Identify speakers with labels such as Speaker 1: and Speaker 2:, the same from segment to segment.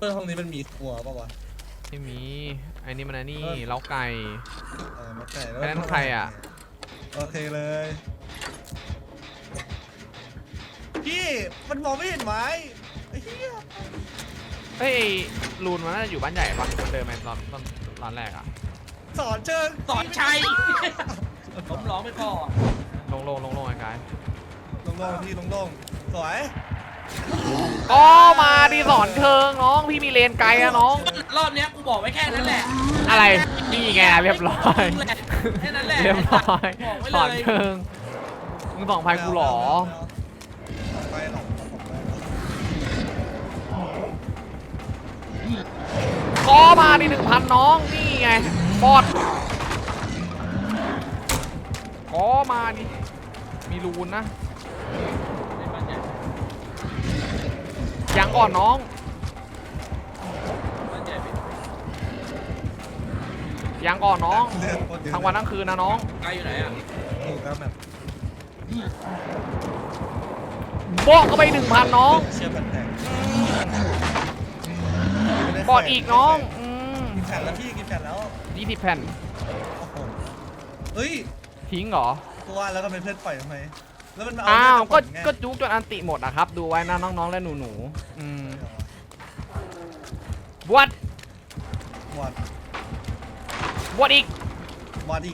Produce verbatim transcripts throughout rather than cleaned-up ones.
Speaker 1: พื่อนห้องนี้มันมีครัวป่าวะ
Speaker 2: ไม่มีไอ้นี่มันอันนี้เล้าไก่
Speaker 1: เออมาไก่แล้ว
Speaker 2: อันนั้นใครอ่ะ
Speaker 1: โอเคเลยพี่มันมองไม่เห็นไม้ไอ้เหี้ย
Speaker 2: เฮ้ยลูนมันน่าจะอยู่บ้านใหญ่ปะมันเดินมาตอนตอนตอนแรกอ่ะ
Speaker 1: สอนเชิง
Speaker 3: สอนชัยผมร้องไม่พอ
Speaker 2: ลงลงลงลงไอ้กาย
Speaker 1: ลงลงพี่ลงลงสวย
Speaker 2: อ๋อมาดิสอนเชิงน้องพี่มีเลนไกลอะน้อง
Speaker 3: รอบเนี้ยกูบอกไว้แค่นั้นแหละ
Speaker 2: อะไรนี่ไงเรียบร้อย
Speaker 3: แค่นั้นแหละ
Speaker 2: เรียบร้อยสอนเชิงมึงสองพันกูหรอ
Speaker 1: ไปหรอก
Speaker 2: ก็มาดิหนึ่งพันน้องนี่ไงบอดก็มาดิมีรูนนะยังก่อนน้องยังก่อนน้องทั้งวันทั้งคืนนะน้อง
Speaker 3: ไกลอยู่ไหนอ่ะ
Speaker 1: ถูกครับแบบ
Speaker 2: บอกเข้าไปหนึ่งพันน้อง
Speaker 1: เชื่อมแตก
Speaker 2: บอดอีกน้อง
Speaker 1: กินแผ่นแล้วพี่กินแผ่นแล้ว
Speaker 2: ยี่สิบแผ่น
Speaker 1: เฮ้ย
Speaker 2: ทิ้งเหรอ
Speaker 1: ตัวแล้วก็เป็นเพื่อนปล่อยทำไมแล้วมัน
Speaker 2: อ้าวก็ก็จุกจนอันติหมดอะครับดูไว้นะน้องๆและหนูๆอืมบวช
Speaker 1: บวช
Speaker 2: บวชอีก
Speaker 1: บวชอีก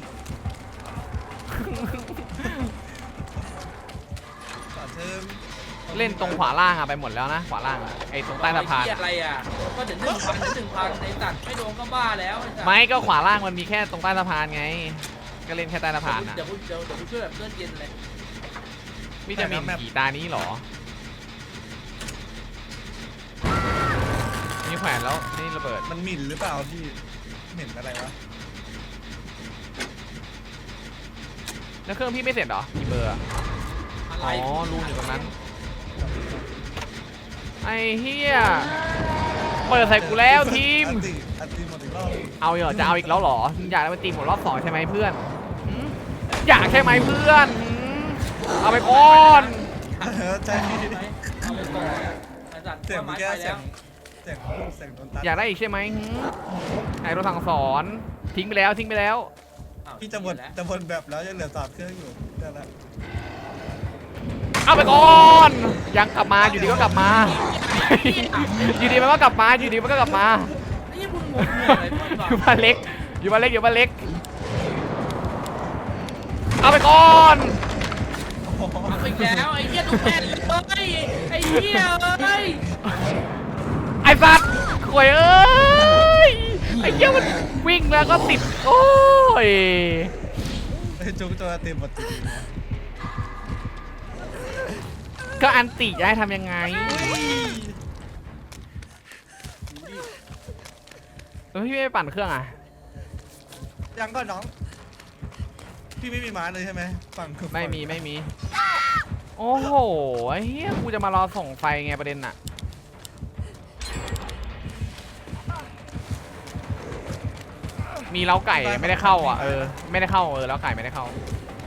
Speaker 2: เล่นตรงขวาล่างอะไปหมดแล้วนะขวาล่างอะไอตรงใต้สะพาน
Speaker 3: อะไรอะก็ถึงหนึ่งพันถึงหนึ่งพันในตัดไม่โดนก็บ้าแล้ว
Speaker 2: ไม่ก็ขวาล่างมันมีแค่ตรงใต้สะพานไงก็เล่นแค่ใต้สะพานนะ
Speaker 3: เดี๋ยวเดี๋ยวเดี๋ยวช่วยแบบเลื่อนเย็นเลย
Speaker 2: วิตามินกี่ตานี้หรอมีแขวนแล้วนี่ระเบิด
Speaker 1: มันหมิ่นหรือเปล่าพี่เหม็นอะไรวะ
Speaker 2: แล้วเครื่องพี่ไม่เสร็จหรอกี่เบอร์อ๋อรูอยู่ตรงนั้นไอ้เฮียเปิดใส่กูแล้วทีมเอาเหรอจะเอาอีกแล้วหรออยากไปตีหมดรอบสองใช่ไหมเพื่อนอยากใช่ไหมเพื่อนเอาไปก่อน
Speaker 1: ใช่
Speaker 3: เอาไปก่อน
Speaker 1: เสียงแก้เสียงเสียงเสียงโดนตัด
Speaker 2: อยากได้อีกใช่ไหมไอ้รถถังสอนทิ้งไปแล้วทิ้งไปแล้ว
Speaker 1: พี่จะหมดจะหมดแบบแล้วยังเหลือสามเครื่องอยู่ได้แล้ว
Speaker 2: เอาไปก่อนยังกลับมาอยู่ดีก็กลับมาอยู่ดีมันก็กลับมาอยู่ดีมันก็กลับมาอยู่บ้านเล็กอยู่บ้านเล็กอยู่บ้านเล็กเอาไปก่อน
Speaker 3: เอาไปแล้วไอ้เหี้ยทุกแผ่นเลยไอ้เหี้ยเอ้ย
Speaker 2: ไอ้สัตว์ข่วยเอ้ยไอ้เหี้ยมันวิ่งแล้วก็ติดโอ้ย
Speaker 1: ไอ้จุกตัวเต็มหมด
Speaker 2: ก็อันติจะให้ทำยังไงแล้วพี่ไม่ปั่นเครื่องอ่ะ
Speaker 1: ยังก่อนน้องพี่ไม่มีม้าเลยใช่ไหมฝั่ง
Speaker 2: ไม่มีไม่มีโอ้โหไอ้เหี้ยกูจะมารอส่งไฟไงประเด็นน่ะมีเล้าไก่ไม่ได้เข้าอ่ะเออไม่ได้เข้าเออเล้าไก่ไม่ได้เข้า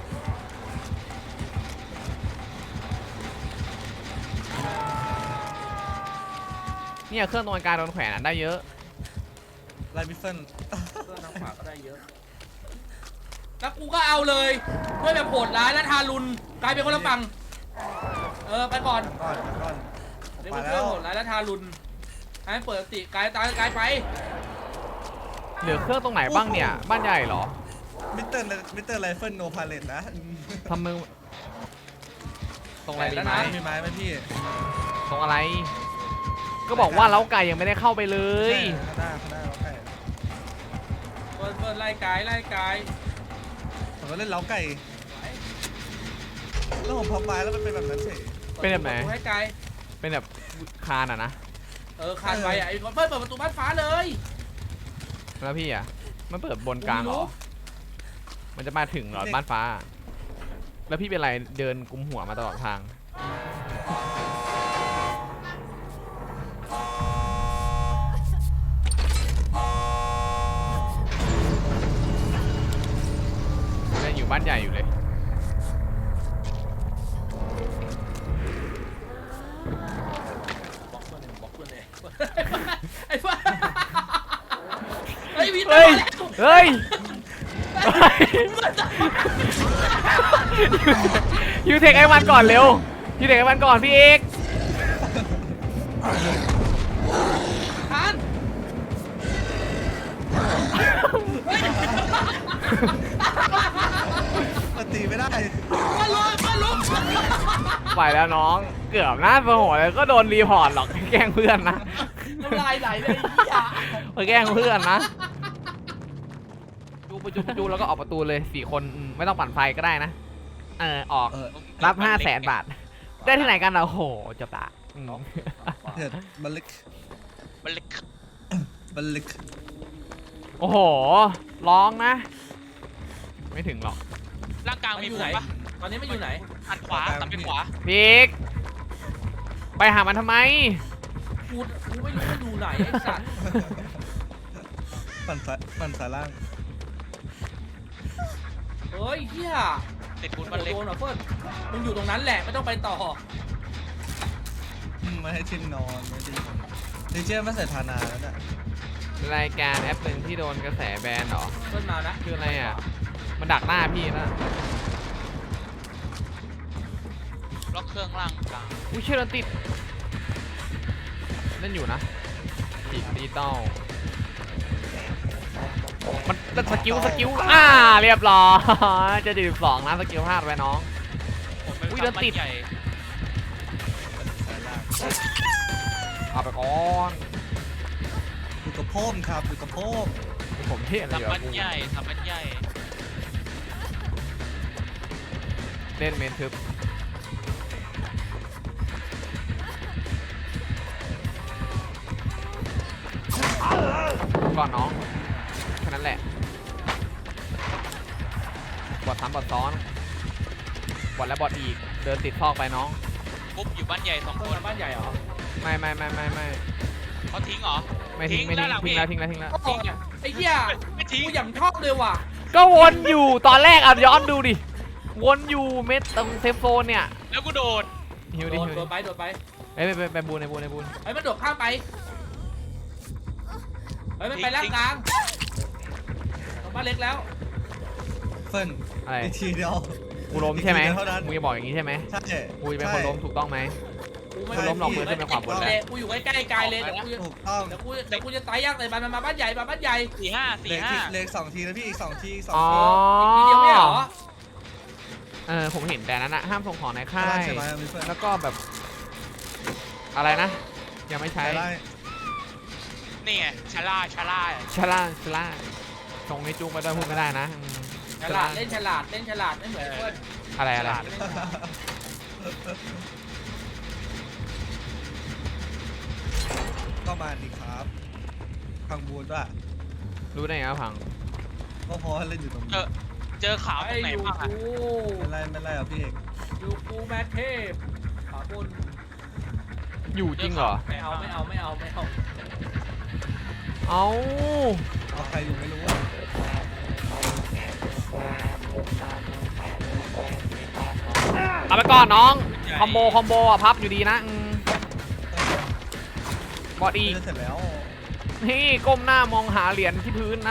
Speaker 2: เนี่ยเครื่องตรงกลางโดนแขวนได้เยอะ
Speaker 1: ไลบิฟเฟน
Speaker 3: เครื่องทางขวาก็ได้เยอะแล้วกูก็เอาเลยด้วยแบบโหดร้ายและทารุณกลายเป็นคนละฝั่งเออไปก่อน
Speaker 1: ก่อนก่อน
Speaker 3: เดี๋ยวเรื่องโหดร้ายและทารุณให้เปิดติกายตายกายไป
Speaker 2: เหลือเครื่องตรงไหนบ้างเนี่ยบ้านใหญ่เหรอ
Speaker 1: มิสเตอร์มิสเตอร์ไรเฟิลโนพาเลตนะ
Speaker 2: ทำมือตรงอะไรดีไหม
Speaker 1: มีไม้ไหมพี่
Speaker 2: ตรงอะไรก็บอกว่าเล้าไก่ยังไม่ได้เข้าไปเลย
Speaker 1: ข้างหน้าข้างหน้าเล้าไก่
Speaker 3: เปิดเปิดไล่ไก่ไล่ไก่
Speaker 1: ผมก็เล่นเล้าไก่แล้วผมพับไม้แล้วมันเป็นแบบนั้นเฉย
Speaker 2: เป็นแบบไหน
Speaker 3: ให้ไก่
Speaker 2: เป็นแบบคานอ่ะนะ
Speaker 3: เออคานไปอ่ะไอ้คนเปิดประตูบ้านฟ้าเลย
Speaker 2: แล้วพี่อ่ะมันเปิดบนกลางเหรอมันจะมาถึงเหรอบ้านฟ้าแล้วพี่เป็นไรเดินกุมหัวมาตลอดทางอยู่บ้านใหญ่อยู่เลยฮ้ยเฮ้ยยูเทคไอ้มันก่อนเร็วยูเทคไอ้มันก่อนพี่เอก
Speaker 3: ทัน
Speaker 1: มันตีไม่ได้
Speaker 3: มาลุกมาลุก
Speaker 2: ไปแล้วน้องเกือบหน้าโมโหเลยก็โดนรีพอร์ตหรอกแกล้งเพื่อนนะ
Speaker 3: น้ำลายไหลเลยไอ้เหี้ย
Speaker 2: ไปแกล้งเพื่อนนะจูประจูประจูแล้วก็ออกประตูเลยสี่คนอืมไม่ต้องปั่นไฟก็ได้นะเออออก
Speaker 1: เออ
Speaker 2: รับห้าแสนบาท ได้ที่ไหนกันอ่ะโอ้โหจบละอืม
Speaker 1: เถิดบัลลิก
Speaker 4: มันเล็ก
Speaker 1: บัลลิก
Speaker 2: โอ้โหร้องนะ ไม่ถึงหรอก
Speaker 4: ร่างกลาง
Speaker 3: มัน
Speaker 4: มี
Speaker 3: อยู่
Speaker 4: ผ
Speaker 3: ไหน
Speaker 4: ลปะ
Speaker 3: ตอนนี้มันอยู่ไหน
Speaker 4: หันขวาตัดไปขวา
Speaker 2: พีกไปหามันทำไม
Speaker 3: กูกูไม่รู้มันอยู่ไหนไอ้สัตว์
Speaker 1: ปั่นสายปั่นสายล่าง
Speaker 3: เฮ้ยเหี้ย
Speaker 4: ติดบุญ
Speaker 3: โด
Speaker 4: มันเล็ก
Speaker 3: นเหรอเฟิร์นมึงอยู่ตรงนั้นแหละไม่ต้องไปต่อ
Speaker 1: อืมไม่ให้ชิมนอนไม่ให้ชิมนอนดีเจไม่ใส่ทานาแล้วน่ะ
Speaker 2: รายการแอปหนึ่งที่โดนกระแสแบนเหรอ
Speaker 3: เฟิร์นมานะ
Speaker 2: คืออะไรอ่ะ มันดักหน้าพี่นะ
Speaker 4: ล็อกเครื่องล่างกลาง
Speaker 2: อุ้ยเชื่อติดเล่นอยู่นะติดดิจิตอลมันสกิลสกิลอ่าเรียบร้อยจะจุดสองนะสกิลพลาดไว้น้อง
Speaker 4: ผมเป็น
Speaker 2: อุ้ยเดินติด
Speaker 4: ใหญ่
Speaker 1: สายล่าง
Speaker 2: เอาไปก่อน
Speaker 1: อยู่กับโพมครับอยู่กับโพม
Speaker 2: ผมเท่อะไร
Speaker 4: ทำ
Speaker 2: อยู่
Speaker 4: มั
Speaker 2: อะ
Speaker 4: น
Speaker 2: กู
Speaker 4: ใหญ่ทำมันใหญ่
Speaker 2: เล่นเมนทึบก่อนน้องแค่นั้นแหละบอดซ้ำบอดซ้อนบอดแล้วบอดอีกเดินติดซอกไปน้อง
Speaker 4: ปุ๊บอยู่บ้านใหญ่สอง
Speaker 3: เฟิ
Speaker 4: ค
Speaker 3: ร์น
Speaker 4: น
Speaker 3: มาบ้านใหญ่เหรอ
Speaker 2: ไม่ไม่ไม่ไม่ไม่
Speaker 4: เขาทิ้งเหรอ
Speaker 2: ไม่ทิ้งไม่ทิ้ง
Speaker 4: ด้านหลั
Speaker 2: ทิ้งแล้วทิ้งแล้วทิ้งแล้ว
Speaker 3: โอ้ยไอ้เหี้ย
Speaker 4: ไม่ทิ้ง
Speaker 3: กูอย่างชอบเลยว่ะ
Speaker 2: ก็วนอยู่ตอนแรกอ่ะย้อนดูดิวนอยู่เม็ดตรงเซฟโซนเนี่ย
Speaker 4: แล้วกูโดด
Speaker 2: หิว
Speaker 3: โด
Speaker 2: ดิ
Speaker 3: น
Speaker 2: หิว
Speaker 3: โด
Speaker 2: ดิ
Speaker 3: นไปโดนไป
Speaker 2: เอ้ยไปไปไปบูนในบูนในบูน
Speaker 3: เฮ้ยมันโดดข้ามไปเฮ้ยมันไปล่างกลางตรงบ้านเล็กแล้ว
Speaker 1: เฟิร์น
Speaker 2: อะไร
Speaker 1: อีกทีเดียว
Speaker 2: กูล้มใช่ไหม
Speaker 1: อีกทีเดียวเท่านั้น
Speaker 2: มึงจะบอกอย่างนี้ใช่ไหม
Speaker 1: ใช่
Speaker 2: กูจะเป็นคนล้มถูกต้องไหม
Speaker 3: กูไม่
Speaker 2: กูล้มหรอกมือขึ้นไปขวาบนแล้ว
Speaker 3: กูอยู่ใกล้ๆกายเลยเดี๋ยวกูจะ
Speaker 1: ถูกต้อง
Speaker 3: เดี๋ยวกูเดี๋ยวกูจะตายยากเลยมันมาบ้านใหญ่มาบ้านใหญ่
Speaker 4: สี่ห้าสี่
Speaker 1: เลข
Speaker 4: ห้า
Speaker 1: ที่เลขสองทีนะพี่อีกสองทีอีกสอง
Speaker 2: อ๋อ
Speaker 1: ที
Speaker 3: ทีเดียวไม่เหรอ
Speaker 2: เออผมเห็นแต่นั้นนะห้ามส่งของในค่า
Speaker 1: ได้
Speaker 2: ย
Speaker 1: ใช่ไหมมีเฟิร์น
Speaker 2: แล้วก็แบบ อะไรนะ ยังไม่ใช้
Speaker 1: ได้
Speaker 4: นี่ไงชาล่าชาล่า
Speaker 2: ชล่าชล่าตรงนี้จุกไปด้วยพูดไม่ได้นะอืม
Speaker 3: ฉลาดเล่นฉลาดเล่นฉลาดไม่เหมือนเพื่อน
Speaker 2: อะไรอะไร
Speaker 3: เล่นฉลาด
Speaker 1: ก็มาดีครับพังบูนด้วย
Speaker 2: รู้ได้ไงว่าพัง
Speaker 1: ก็เพราะว่าเล่นอยู่ตรง
Speaker 4: เจ
Speaker 1: นี้
Speaker 4: อเจอขาวต
Speaker 3: ไอ้
Speaker 4: รงไหน
Speaker 3: อยู่
Speaker 4: บ้างอะ
Speaker 3: กู
Speaker 1: ไม่ไล่ไม่ไล่อ่ะพี่เอก
Speaker 3: อยู่กูแมทเทพขาบน
Speaker 2: อยู่จริงเหรอ
Speaker 3: ไม่เอาไม่เอาไม่เอาไม่เอา
Speaker 2: เอา
Speaker 1: เอาใครอยู่ไม่รู้อ่ะ
Speaker 2: เอาไปก่อนน้อง คอมโบคอมโบอ่ะพับอยู่ดีนะอืมบอดอีก
Speaker 1: จะเสร็จแล้ว
Speaker 2: นี่ก้มหน้ามองหาเหรียญที่พื้นนะ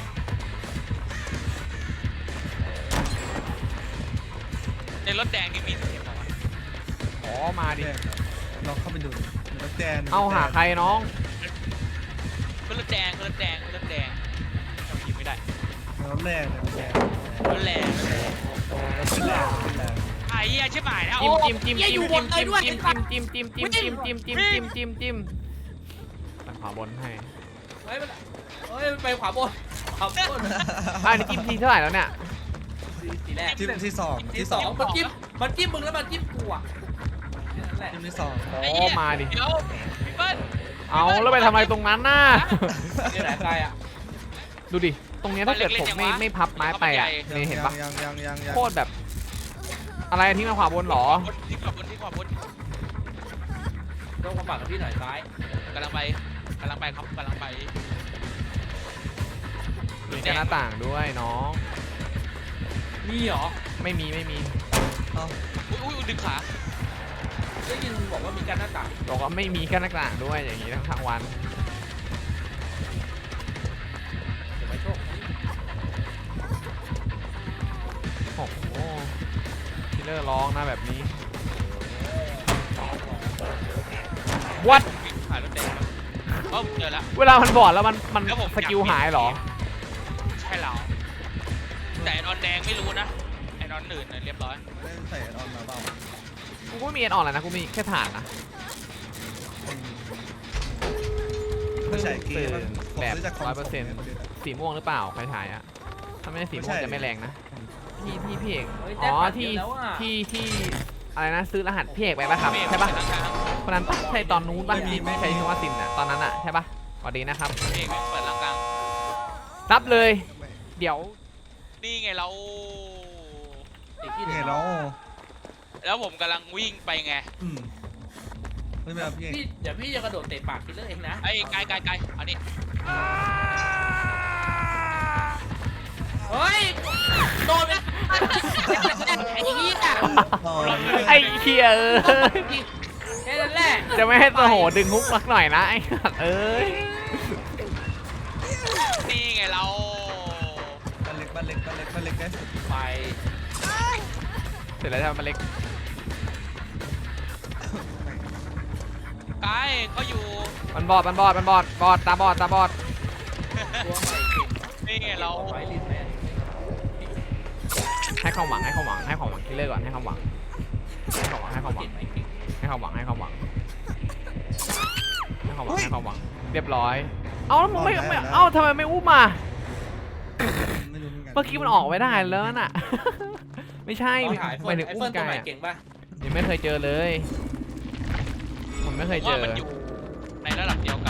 Speaker 4: ในรถแดงนี่มีเสียงเหรอวะ
Speaker 2: อ๋อมาดิ
Speaker 1: แดงลองเข้าไปดูรถแดง
Speaker 2: เอาหาใครน้อง
Speaker 4: คือรถแดงคือรถแดงคือรถแดงจำยิงไม่ได้
Speaker 1: รถแรงรถแรง
Speaker 4: รถแรง
Speaker 1: รถแรงรถแรง
Speaker 4: ไอ้เหี้ยใช่ไหมนะ
Speaker 2: จิ้
Speaker 4: โอ้
Speaker 2: มจิ้มจิ้มจิ้มจิ้มจิ้มจิ้มจิ้มจิ้มจิ้มจิ้มจิ้มจิ้มจิ้มจิ้มจิ้มตั้งขวาบนให้
Speaker 3: เฮ้ยมันเฮ้ยมันไปขวาบนขวาบน
Speaker 2: อ่านี่จิ้มทีเท่าไหร่แล้วเนี่ย
Speaker 3: สีแรก
Speaker 1: ทีมที่สอง
Speaker 3: ที
Speaker 1: ที่
Speaker 3: ส
Speaker 1: ส
Speaker 3: อ
Speaker 1: อง ง
Speaker 3: มันจิ้มมันจิ้มมึงแล้วมันจิ้มกูอ่ะนั่นแหละ
Speaker 1: ทีมที่สอง
Speaker 2: อ๋
Speaker 4: ไอ้
Speaker 2: อ
Speaker 4: เหี้ย
Speaker 2: มาดิ
Speaker 4: เดี๋ยวพี่เปิ้ล
Speaker 2: เอาแล้วไปทำอะไรตรงนั้นน่ะ
Speaker 3: นี่แหละใครอ่ะ
Speaker 2: ดูดิ ตรงเนี้ยถ้าเกิดผมไม่ไม่พับไม้ไปอ่ะนี่เห็นปะ
Speaker 1: ยังยังยังยัง
Speaker 2: โคตรแบบ อะไรที่มาขวาบนหรอ
Speaker 4: ที่ขวาบนที่ขวาบน
Speaker 3: ต้องมาปักกับพี่หน่อยซ้าย
Speaker 4: กำลังไปกำลังไปครับกำลังไป
Speaker 2: มีหน้าต่างด้วยน้อง
Speaker 3: มีเหรอ
Speaker 2: ไม่มีไม่มี
Speaker 1: เอา
Speaker 4: อุ้ยอุ้ยดึงขา
Speaker 3: ได้ยินบอกว่ามีการหน้าต่าง
Speaker 2: บอกว่าไม่มีแค่หน้าต่างด้วยอย่างนี้ทั้งทั้งวัน
Speaker 3: เก็บไว้
Speaker 2: ร้องนะแบบนี้ what
Speaker 4: หายรถแดงแล้วเอ้าเจอแล้ว
Speaker 2: เวลามันบอดแล้วมันมัน
Speaker 4: แล้วผม
Speaker 2: สกิลหายเหรอ
Speaker 4: ใช่เราแต่ไอ้นอนแดงไม่รู้นะไอ้นอนอื่นเนี่ยเรียบร้อย
Speaker 1: ไม่ได้ใส่ออนมาเปล่า
Speaker 2: กูก็ไม่มีเอ็นออนเลยนะกูมีแค่ฐานนะ
Speaker 1: ไม่ใช่เก
Speaker 2: ตื่
Speaker 1: ม
Speaker 2: นแบบร้อยเปอร์เซ็นต์สีม่วงหรือเปล่าใครถ่ายอะถ้าไม่ใช่สีม่วงจะไม่แรงนะที่ที่พี่เอก
Speaker 3: เฮ้ย
Speaker 2: อ๋
Speaker 3: แต้
Speaker 2: อ
Speaker 3: มปัด
Speaker 2: ที่
Speaker 3: เยอะแล้วอะ
Speaker 2: ที่ที่อะไรนะซื้อรหัสพี่เอกไปปะครับ
Speaker 4: เมฆ
Speaker 2: ใช่ปะ
Speaker 4: เป็นร่างกลาง
Speaker 2: คนนั้นปะใช่ตอนนู้นปะที่ไม่ใช้ชื่อว่าซินอะตอนนั้นอะใช่ปะสวัสดีนะครับ
Speaker 4: เมฆเปิดร่างกลาง
Speaker 2: รับเลย เดี๋ยว
Speaker 4: นี่ไงเรา
Speaker 3: ไอ้ที่
Speaker 1: นี่
Speaker 3: เดี๋ยว
Speaker 1: เนาะ
Speaker 4: แล้วผมกำลังวิ่งไปไง
Speaker 1: อืมไม่เป็นไรพี่
Speaker 3: พี่เดี๋ยวพี่จะกระโดดเตะปากคิลเลอร์เองนะ
Speaker 4: ไอ้ไกลไกลไกลอันนี้
Speaker 3: เฮ้ยโดนไปไอ้เหี้ย
Speaker 2: ไอ้เคียเอ้ย
Speaker 3: แค่นั้นแหละ
Speaker 2: จะไม่ให้โตโหดึงฮุกสักหน่อยนะไอ้สัตว์เอ้ย
Speaker 4: นี่ไงเรา
Speaker 1: บ้านเล็กบ้านเล็กบ้านเล็กบ้านเล็กได้สุด
Speaker 3: ไป
Speaker 2: เสร็จแล้วใช่ไหมมันเล็ก
Speaker 4: ไกลเขาอยู่
Speaker 2: มันบอดมันบอดมันบอดบอดตาบอดตาบอด
Speaker 3: ตัวใหม่เก่ง
Speaker 4: นี่ไงเรา
Speaker 3: ไว้ลิ้นแม่
Speaker 2: ให้ความหวังให้ความหวังให้ความหวังคิลเลอร์ก่อนให้ความหวังให้ความหวังให้ความหวั
Speaker 3: เก่
Speaker 2: ง
Speaker 3: งไหมเก่ง
Speaker 2: ให้ความหวังให้ความหวังให้ความหวังให้ความหวังเรียบร้อย เอาแล้วมึงไม่ไม่เอ้าทำไมไม่อุ้มมา
Speaker 1: ไม่รู้เหมือนกัน
Speaker 2: เมื่อกี้มันออกไม่ได้แล้วน่ะ ไม่ใช่
Speaker 3: ต้องถ่าย
Speaker 2: หมายถึง
Speaker 3: ไอ้
Speaker 2: อุ้
Speaker 3: เฟิ
Speaker 2: ม
Speaker 3: ร์นตัว
Speaker 2: กา
Speaker 3: ใหม่
Speaker 2: ยอะ
Speaker 3: เก่งป่ะ
Speaker 2: ยังไม่เคยเจอเลย ผมไม่เคย
Speaker 4: ผม
Speaker 2: เจ
Speaker 4: ว่า
Speaker 2: อ
Speaker 4: มันอยู่ในระดับเดียว